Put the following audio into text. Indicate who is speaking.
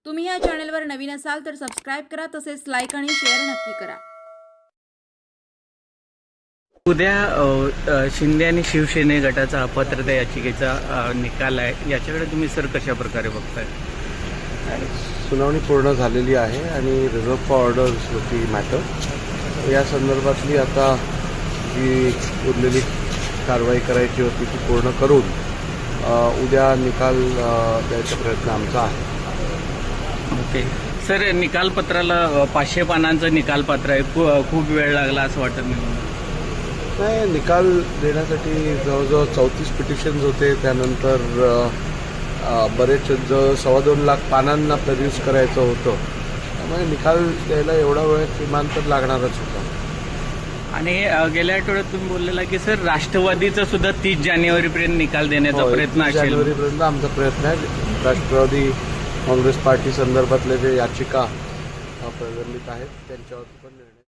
Speaker 1: तुम्ही या चॅनलवर नवीन असाल तर सबस्क्राइब करा, तसेच लाईक आणि शेअर नक्की करा।
Speaker 2: उद्या शिंदे आणि शिवसेने गटाचा अपात्रता याचिकेचा निकाल आहे, याच्याकडे तुम्ही सर कशा प्रकारे बघताय?
Speaker 3: सुनावणी पूर्ण झालेली आहे आणि रिझर्व फॉर ऑर्डर्स होती मॅटर, या संदर्भातली आता जी उरलेली कारवाई करायची होती ती पूर्ण करून उद्या निकाल द्यायचा प्रयत्न आमचा आहे।
Speaker 2: ओके सर, निकालपत्राला 500 पानांचं निकालपत्र आहे, खूप वेळ लागला असं वाटत नाही?
Speaker 3: नाही, निकाल देण्यासाठी जवळजवळ 34 पिटिशन्स होते, त्यानंतर बरेच 2.25 लाख पानांना प्रोड्यूस करायचं होतं, त्यामुळे निकाल द्यायला एवढा वेळ किमान तर लागणारच होता।
Speaker 2: आणि गेल्या आठवड्यात तुम्ही बोललेला की सर राष्ट्रवादीचा सुद्धा 30 जानेवारीपर्यंत निकाल देण्याचा प्रयत्न असेल।
Speaker 3: जानेवारीपर्यंत आमचा प्रयत्न आहे। राष्ट्रवादी काँग्रेस पार्टी संदर्भातले जे याचिका प्रलंबित आहेत त्यांच्यावर पण निर्णय